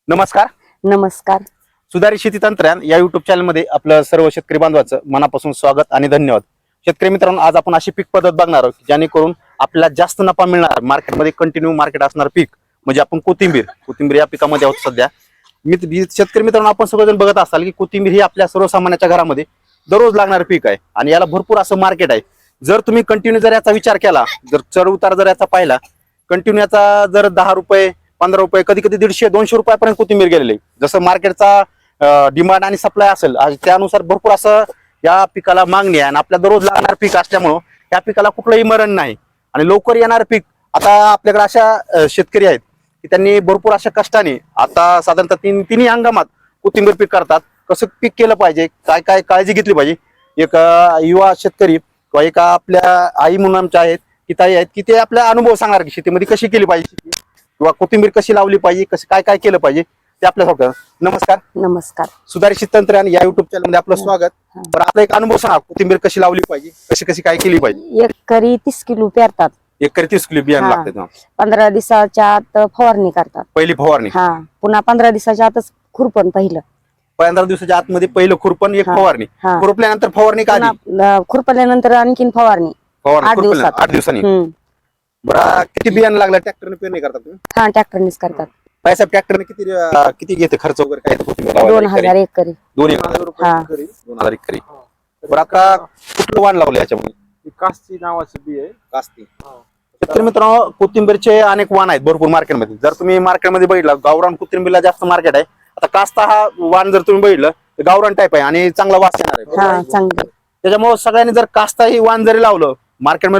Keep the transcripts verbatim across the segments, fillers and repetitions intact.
नमस्कार. नमस्कार. सुधारित शेती तंत्रज्ञान या युट्यूब चॅनलमध्ये आपलं सर्व शेतकरी बांधवांचं मनापासून स्वागत आणि धन्यवाद. शेतकरी मित्रांनो, आज आपण अशी पीक पद्धत बघणार आहोत जेणेकरून आपल्याला जास्त नफा मिळणार, मार्केटमध्ये कंटिन्यू मार्केट असणार पीक म्हणजे आपण कोथिंबीर कोथिंबीर या पिकामध्ये आहोत सध्या. मी शेतकरी मित्रांनो, आपण सगळेजण बघत असाल की कोथिंबीर ही आपल्या सर्वसामान्यांच्या घरामध्ये दररोज लागणारं पीक आहे आणि याला भरपूर असं मार्केट आहे. जर तुम्ही कंटिन्यू जर याचा विचार केला, जर चढ उतार जर याचा पाहिला, कंटिन्यू याचा जर दहा रुपये पंधरा रुपये कधी कधी दीडशे दोनशे रुपयापर्यंत कोथिंबीर गेलेली. जसं मार्केटचा डिमांड आणि सप्लाय असेल त्यानुसार भरपूर असं या पिकाला मागणी आहे आणि आपल्या दररोज लागणार पीक असल्यामुळं या पिकाला कुठलंही मरण नाही आणि लवकर येणार पीक. आता आपल्याकडे अशा शेतकरी आहेत की त्यांनी भरपूर अशा कष्टाने आता साधारणतः तीन तिन्ही हंगामात कोथिंबीर पीक करतात. कसं पीक केलं पाहिजे, काय काय काळजी घेतली पाहिजे, एक युवा शेतकरी किंवा एका आपल्या आई म्हणून आमच्या आहेत की ताई आहेत की ते आपला अनुभव सांगणार की शेतीमध्ये कशी केली पाहिजे किंवा कोथिंबीर कशी लावली पाहिजे, कसं काय काय केलं पाहिजे ते आपल्या सांगतात. नमस्कार. नमस्कार. सुधारित शेती तंत्रज्ञान या युट्यूब चॅनल मध्ये आपलं स्वागत. तर आपला एक अनुभव सांगा, कोथिंबीर कशी लावली पाहिजे, कशी कशी काय केली पाहिजे. एकरी तीस किलो पेरतात. एकरी तीस किलो बियाणं हा. लागतं. पंधरा दिवसाच्या आत फवारणी करतात. पहिली फवारणी, हा पुन्हा पंधरा दिवसाच्या आतच खुरपण पहिलं. पंधरा दिवसाच्या आतमध्ये पहिलं खुरपण, एक हा. फवारणी, हा. खुरपल्यानंतर फवारणी का आधी? पुन्हा, अं, खुरपल्यानंतर आणखीन फवारणी फवारणी आठ खुरपल्या- दिवसात. आठ दिवसांनी. हम्म. बरं, किती बियाणं लागलं? ट्रॅक्टरने पेरणी करतात तुम्ही? हा ट्रॅक्टरनेच करतात. पैसा ट्रॅक्टरने किती अं, किती घेते खर्च वगैरे काय कोथिंबीर लावायला? दोन हजार एकरी. दोन एक हजार रुपये हा. एकरी, दोन हजार एकरी. बरं, आता कुठलं वाण लावलं याच्यामध्ये? कास्ती नावाचं बी आहे. कास्ती. शेतकरी मित्रांनो, कोथिंबीरचे अनेक वाण आहेत भरपूर मार्केटमध्ये. जर तुम्ही मार्केटमध्ये बघितलं, गावरान कोथिंबीरला जास्त मार्केट आहे. आता कास्ता हा वाण जर तुम्ही बघितलं तर गावरान टाईप आहे आणि चांगला वास येणार आहे. हा चांगलं. त्याच्यामुळे सगळ्यांनी जर कास्ता ही वाण जरी लावलं, मार्केटमध्ये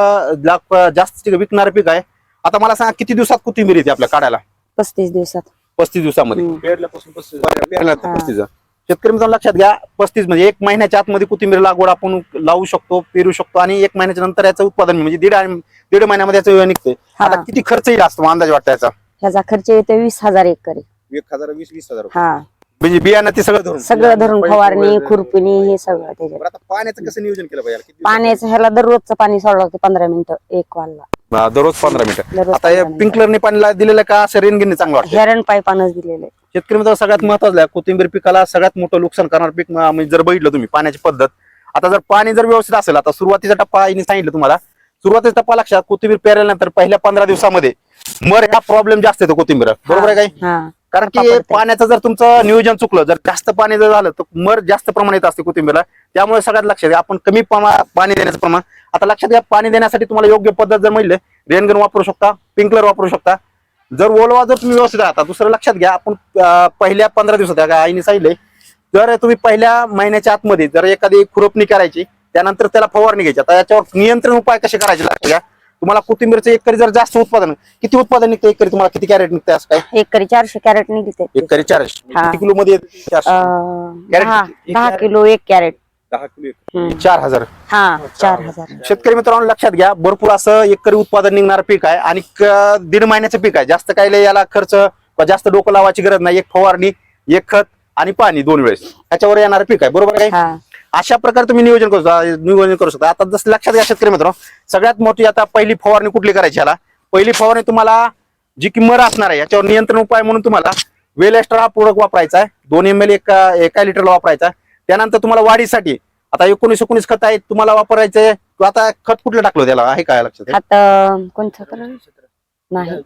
लोक जास्त विकणारं पीक आहे. आता मला सांगा, किती दिवसात कोथिंबीर येते आपल्या काढायला? पस्तीस दिवसात. पस्तीस दिवसामध्ये. हम्म. पेरल्यापासून पस्तीस पेरण्यात हा. पस्तीस. शेतकरी मित्रांनो लक्षात घ्या, पस्तीस म्हणजे एक महिन्याच्या आतमध्ये कोथिंबीर लागवड आपण लावू शकतो, पेरू शकतो आणि एक महिन्याच्या नंतर याचं उत्पादन म्हणजे दीड आणि दीड महिन्यामध्ये याचं निघते. हा. आता किती खर्च येईल असतो अंदाज वाटतं याचा? ह्याचा खर्च येतो वीस हजार एकरी. एक हजार वीस वीस हजार हा म्हणजे बियाणं ते सगळं धरून. सगळं धरून फवारणी खुरपणी हे सगळं त्याच्यात. बरं, आता पाण्याचं कसं नियोजन केलं पाहिजे? किती पाण्याचं ह्याला दररोजचं पाणी सोडावं लागतं पंधरा मिनिटं एक वालला. दिवसात? दररोज पंधरा मिनिटं. दररोज आता हे पंधरा मिनिटं. स्प्रिंकलरने पाणी दिलेलं का असं रेनगिरीने चांगलं वाटतं? हेरण पाईपानच दिलेले. शेतकरी मित्रांनो, सगळ्यात महत्वाचं आहे, कोथिंबीर पिकाला सगळ्यात मोठं नुकसान करणार पीक म- म्हणजे जर बघितलं तुम्ही पाण्याची पद्धत. आता जर पाणी जर व्यवस्थित असेल, आता सुरुवातीचा टप्पा आईने सांगितलं तुम्हाला, सुरुवातीचा टप्पा लक्षात, कोथिंबीर पेरल्यानंतर पहिल्या पंधरा दिवसामध्ये मर हा प्रॉब्लेम जास्त येतो कोथिंबीर, बरोबर आहे काही? हा कारण की पडते. पाण्याचं जर तुमचं नियोजन चुकलं, जर जास्त पाणी जर झालं तर मर जास्त प्रमाणात असते कोथिंबीरला. त्यामुळे सगळ्यात लक्षात घ्या, आपण कमी प्रमाणात पाणी देण्याचं प्रमाण. आता लक्षात घ्या, पाणी देण्यासाठी तुम्हाला योग्य पद्धत जर म्हणले, रेनगन वापरू शकता, स्प्रिंकलर वापरू शकता. जर ओलवा जर तुम्ही व्यवस्थित राहता. दुसरं लक्षात घ्या, आपण अं, पहिल्या पंधरा दिवसात आईने सांगितले, जर तुम्ही पहिल्या महिन्याच्या आतमध्ये जर एखादी खुरपणी करायची, त्यानंतर त्याला फवारणी घ्यायची. आता याच्यावर नियंत्रण उपाय कसे करायचे लक्षात घ्या. तुम्हाला कोथिंबीरचं एकरी जर जास्त उत्पादन, किती उत्पादन निघतं एकरी? तुम्हाला किती कॅरेट निघते असं काय? एकरी चारशे कॅरेट निघते. एकरी चारशे. हा. किती किलो मध्ये येते? चारशे. अं, कॅरेट दहा किती? दहा किलो एक कॅरेट. दहा किलो एक. हम्म. चार हजार. हा चार हजार. शेतकरी मित्रांनो लक्षात घ्या, भरपूर असं एकरी उत्पादन निघणारं पीक आहे आणि क- दीड महिन्याचं पीक आहे. जास्त काय लय याला खर्च व जास्त डोकं लावायची गरज नाही. एक फवारणी, एक खत आणि पाणी दोन वेळेस त्याच्यावर येणारं पीक आहे, बरोबर आहे? हा अशा प्रकारे तुम्ही नियोजन करू शकता नियोजन करू शकता. आता जसं लक्षात घ्या शेतकरी मित्रांनो, सगळ्यात मोठी आता पहिली फवारणी कुठली करायची याला? पहिली फवारणी तुम्हाला जी की मर असणार आहे याच्यावर नियंत्रण उपाय म्हणून तुम्हाला वेल एक्स्ट्रा हा प्रोडक्ट वापरायचा आहे. दोन एम एल एका एका लिटरला वापरायचा. त्यानंतर तुम्हाला वाढीसाठी आता एकोणीस एकोणीस खत आहे तुम्हाला वापरायचंय. आता खत कुठलं टाकलं त्याला आहे काय लक्षात? आता कोणतं कलर नाही.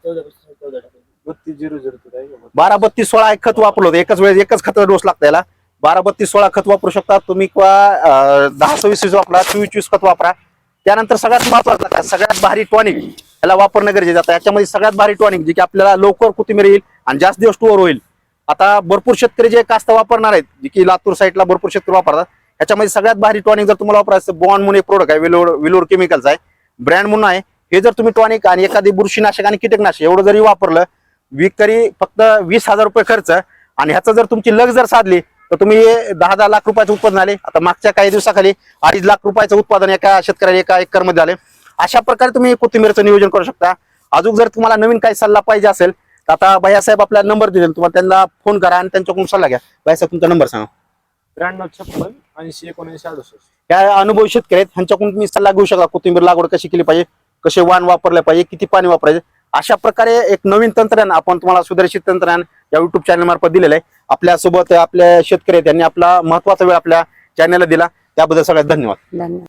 बत्तीस झिरो झिरो बारा बत्तीस सोळा एक खत वापरलं होतं. एकच वेळेस एकच खत डोस लागतं याला. बारा बत्तीस सोळा खत वापरू शकता तुम्ही किंवा अं, दहा सव्वीस वीस वापरा, चोवीस चोवीस खत वापरा. त्यानंतर सगळ्यात महत्वाचं काय, सगळ्यात भारी टॉनिक याला वापरणं गरजेचं आहे. याच्यामध्ये सगळ्यात भारी टॉनिक जे की आपल्याला लवकर कोथिंबीर येईल आणि जास्त दिवस स्टोअर होईल. आता भरपूर शेतकरी जे कास्त वापरणार आहेत, जे की लातूर साईडला भरपूर शेतकरी वापरतात, याच्यामध्ये सगळ्यात भारी टॉनिक जर तुम्हाला वापरायचं, बॉन्ड म्हणून एक प्रोडक्ट आहे, विलोर विलोर केमिकल्स आहे, ब्रँड म्हणून आहे. हे जर तुम्ही टॉनिक आणि एखादी बुरशीनाशक आणि कीटकनाशक एवढं जरी वापरलं, विकरी फक्त वीस हजार रुपये खर्च आणि ह्याचं जर तुमची लग जर साधली तर तुम्ही दहा दहा लाख रुपयाचं उत्पादन आले. आता मागच्या काही दिवसाखाली अडीच लाख रुपयाचं उत्पादन एका शेतकऱ्याला एका एकर मध्ये झाले. अशा प्रकारे तुम्ही कोथिंबीरचं नियोजन करू शकता. अजून जर तुम्हाला नवीन काही सल्ला पाहिजे असेल तर आता भैयासाहेब आपला नंबर दिलेला, तुम्हाला त्यांना फोन करा आणि त्यांच्याकडून सल्ला घ्या. भैयासाहेब तुमचा नंबर सांगा. त्र्याण्णव छप्पन ऐंशी एकोणऐंशी अडुसष्ट. या अनुभवी शेतकरी आहेत, ह्यांच्याकडून तुम्ही सल्ला घेऊ शकता. कोथिंबीर लागवड कशी केली पाहिजे, कसे वाण वापरले पाहिजे, किती पाणी वापरायचे. अशा प्रकारे एक नवीन तंत्रज्ञान आपण तुम्हाला सुधारित तंत्रज्ञान या युट्यूब चॅनल मार्फत दिलेला आहे. आपल्या सोबत आपल्या शेतकरी आहेत, त्यांनी आपला महत्वाचा वेळ आपल्या चॅनलला दिला, त्याबद्दल सगळ्यात धन्यवाद. धन्यवाद.